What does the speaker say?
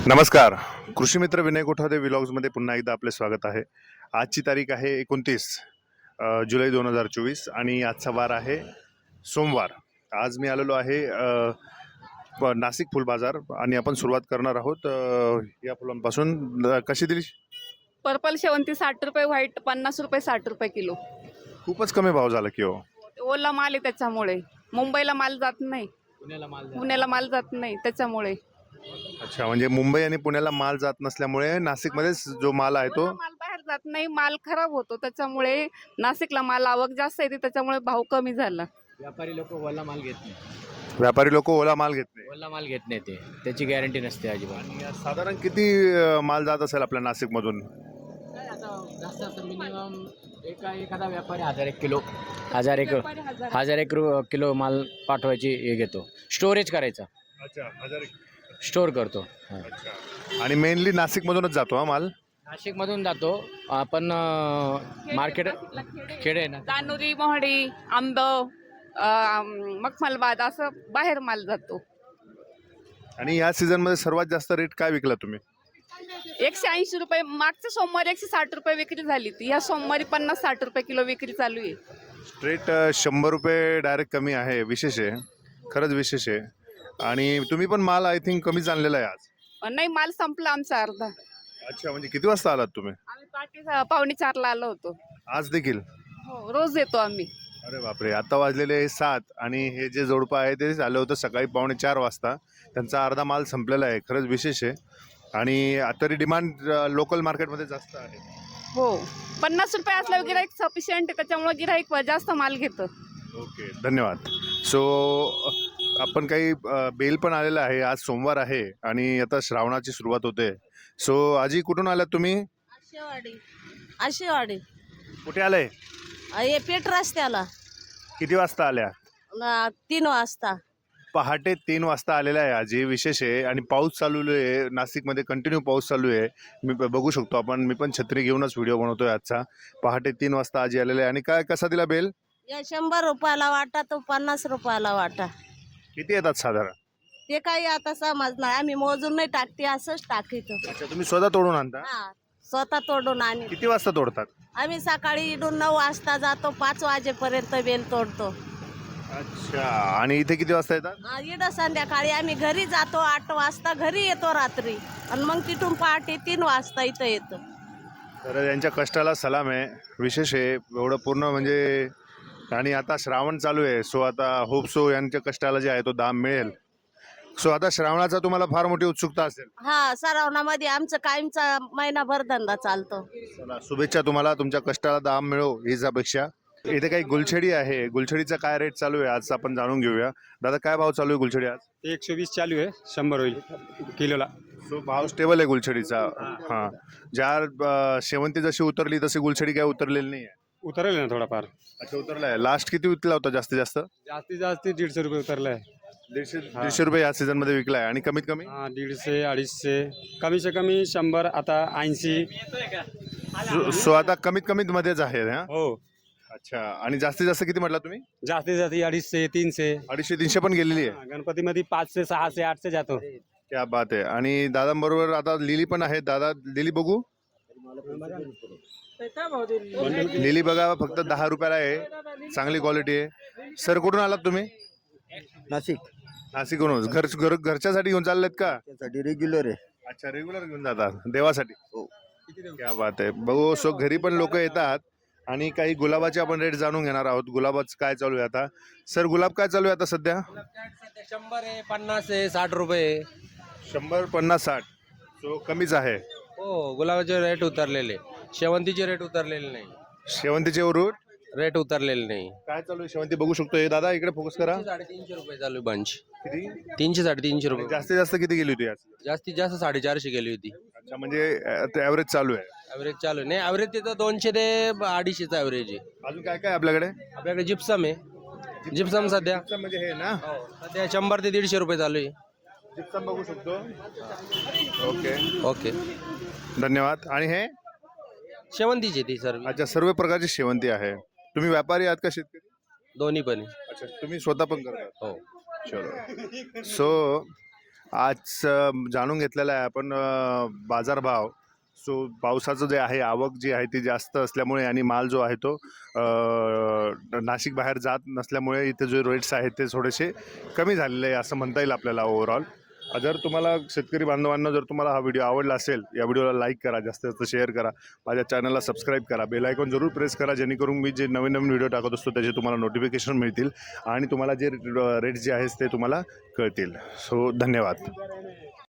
नमस्कार. कृषी मित्र विनय कोठावदे व्लॉग्समध्ये पुन्हा एकदा आपले स्वागत आहे. आजची तारीख आहे 29 जुलै 2024 आणि आजचा वार आहे सोमवार. आज मी आलेलो आहे नाशिक फुल बाजार आणि आपण सुरुवात करणार आहोत या फुलांपासून. कशी दिली? पर्पल शेवंती 60 रुपये, व्हाईट 50 रुपये, 60 रुपये किलो. खूपच कमी भाव झाला की हो. ओला माल आहे त्याच्यामुळे. मुंबईला माल जात नाही, पुण्याला माल जात नाही त्याच्यामुळे. अच्छा, म्हणजे मुंबई आणि पुण्याला माल जात नसल्यामुळे नाशिकमध्येच जो माल आहे तो माल बाहेर जात नाही, माल खराब होतो त्याच्यामुळे नाशिकला माल आवक जास्त येते त्याच्यामुळे भाव कमी झाला. व्यापारी लोक ओला माल घेत नाही. व्यापारी लोक ओला माल घेत नाही. ओला माल घेत नाही, त्याची गॅरंटी नसते अजिबात. साधारण किती माल जात असेल आपल्या नाशिकमधून? जास्त मिनिमम एखादा व्यापारी 1001 किलो 1001 किलो माल पाठवायची हे घेतो, स्टोरेज करायचा. अच्छा, 1000 स्टोर करतो. आणि मेनली नाशिकमधूनच जातो हा माल. नाशिकमधून जातो आपण. मार्केट खेडे आहे ना, दानुरी, मोहडी, आंब, मखमलबाद असं बाहेर माल जातो. आणि या सीझन मध्ये सर्वात जास्त रेट काय विकला तुम्ही? 180 रुपये. मागच्या सोमवारी 160 रुपये विक्री झाली ती. ह्या सोमवारी 50-60 रुपये किलो विक्री चालू आहे. स्ट्रेट 100 रुपये डायरेक्ट कमी आहे. विशेष आहे, खरंच विशेष आहे. आणि तुम्ही पण माल आय थिंक कमीच आणलेला आहे आज. नाही, माल संपला आमचा अर्धा. अच्छा, म्हणजे किती वाजता आलात तुम्ही? आम्ही पाठी 3:45 आलो होतो. आज देखील? हो, रोज येतो आम्ही. अरे बापरे, आता वाजलेले 7 आणि हे जे जोडपं आहे ते आलं होतं सकाळी 3:45 वाजता. त्यांचा अर्धा माल संपलेला आहे. खरंच विशेष आहे. आणि तरी डिमांड लोकल मार्केटमध्ये जास्त आहे. हो, 50 रुपये असल्यावर गिराईक सफिशियंट आहे त्याच्यामुळे गिराईक जास्त माल घेतं. ओके, धन्यवाद. सो आपण काही बेल पण आलेला आहे. आज सोमवार आहे आणि आता श्रावणाची सुरुवात होते. सो आजी, कुठून आलात तुम्ही? आशेवाडी. कुठे आलंय? हे पेट रस्त्याला किती वाजता आल्या? 3 वाजता. पहाटे 3 वाजता आलेला आहे आजी. विशेष आहे. आणि पाऊस चालू आहे नाशिकमध्ये, कंटिन्यू पाऊस चालू आहे. मी बघू शकतो आपण. मी पण छत्री घेऊनच व्हिडिओ बनवतोय आजचा. पहाटे 3 वाजता आजी आलेला आहे. आणि काय कसा दिला बेल? या 100 रुपयाला वाटा, तो 50 रुपयाला वाटा. किती येतात साधारण? ते काही आता समजणार, आम्ही मोजून नाही टाकते, असंच टाकीतो. अच्छा, तुम्ही स्वतः तोडून आणता? हा, स्वतः तोडून आणि किती वाजता तोडतात? आम्ही सकाळी इडून 9 वाजता जातो, 5 वाजेपर्यंत बेल तोडतो. अच्छा, आणि इथे किती वाजता येतात? इडं संध्याकाळी आम्ही घरी जातो, 8 वाजता घरी येतो रात्री, आणि मग तिथून पहाटे 3 वाजता इथं येतो. तर यांच्या कष्टाला सलाम आहे. विशेष आहे एवढं पूर्ण म्हणजे. आणि आता श्रावण चालू आहे. सो आता होप सो यांच्या कष्टाला जे आहे तो दाम मिळेल. सो आता श्रावणाचा तुम्हाला फार मोठी उत्सुकता असेल. हा, सरावणामध्ये आमचं कायमचा महिनाभर धंदा चालतो. चला, शुभेच्छा तुम्हाला. तुमच्या कष्टाला दाम मिळो हीच अपेक्षा. इथे काही गुलछडी आहे. गुलछडीचा काय रेट चालू आहे आज आपण जाणून घेऊया. दादा, काय भाव चालू आहे गुलछडी आज? 120 चालू आहे, 100 होईल किलोला. सो भाव स्टेबल आहे गुलछडीचा. हां, ज्या शेवंती जशी उतरली तशी गुलछडी काय उतरलेली नाही आहे? उतरले ना थोडाफार. अच्छा, उतरला आहे. लास्ट किती विकला होता जास्तीत जास्त? जास्तीत जास्त 150 रुपये उतरलाय. 150 रुपये या सीझन मध्ये विकला आहे. आणि कमीत कमी? 150, 250, कमी से कमी 100, आता 80. सो आता कमीत कमीत मध्येच आहे हा? हो. अच्छा, आणि जास्तीत जास्त किती म्हटला तुम्ही? जास्तीत जास्त 250, 300. 250-300 पण गेलेली आहे. गणपतीमध्ये 500, 600, 800 जातो. क्या बात आहे. आणि दादांबरोबर आता लिली पण आहे. दादा, लिली बघू. लिली बघा, फक्त 10 रुपयाला आहे. चांगली क्वालिटी आहे. सर, कुठून आलात तुम्ही? नाशिक. नाशिकहून. घरच्यासाठी घेऊन चाललेत का? त्यासाठी रेग्युलर आहे. अच्छा, रेग्युलर घेऊन जातात देवासाठी. हो. क्या बात आहे. बघू, सो घरी पण लोक येतात. आणि काही गुलाबाचे आपण रेट जाणून घेणार आहोत. गुलाबाचं काय चालू आहे आता? सर, गुलाब काय चालू आहे आता सध्या? 100 आहे, 50 आहे, 60 रुपये. 100, 50, 60. सो कमीच आहे. हो, गुलाबाचे रेट उतरलेले, शेवंतीचे रेट उतरलेले नाही. शेवंतीचे रेट उतरलेले नाही. काय चालू आहे शेवंती बघू शकतो. हे दादा, इकडे फोकस करा. 350 रुपये चालू आहे बंच. किती? 300, 350 रुपये. जास्तीत जास्त किती गेली होती आज? जास्तीत जास्त 450 गेली होती. अच्छा, म्हणजे ॲव्हरेज चालू आहे. ॲव्हरेज चालू आहे. नाही, ॲव्हरेज तिथं 200 ते 250चा ॲव्हरेज आहे. अजून काय काय आपल्याकडे? आपल्याकडे जिप्सम आहे. जिप्सम सध्या म्हणजे हे ना, सध्या 100 ते 150 रुपये चालू आहे. जिप्सम बघू शकतो. ओके, ओके, धन्यवाद. आणि हे? शेवंतीची ती सर्व. अच्छा, सर्व प्रकारची शेवंती आहे. तुम्ही व्यापारी आहात का शेतकरी? दोन्ही पण आहे. अच्छा, तुम्ही स्वतः पण करता? हो. चलो. सो आज जाणून घेतलेला आहे आपण बाजारभाव. सो पावसाचं जे आहे आवक जी आहे ती जास्त असल्यामुळे आणि माल जो आहे तो नाशिक बाहेर जात नसल्यामुळे इथे जे रेट्स आहेत ते थोडेसे कमी झालेले आहे असं म्हणता येईल आपल्याला ओव्हरऑल. जर तुम्हाला शेतकरी बांधवांना जर तुम्हाला हा व्हिडिओ आवडला असेल, या व्हिडिओला लाईक करा, जास्तीत जास्त शेअर करा, माझ्या चॅनलला सबस्क्राईब करा, बेल आयकॉन जरूर प्रेस करा, जेणेकरून मी जे नवीन नवीन व्हिडिओ टाकत असतो त्याचे तुम्हाला नोटिफिकेशन मिळतील आणि तुम्हाला जे रेट्स जे आहेत ते तुम्हाला कळतील. सो धन्यवाद.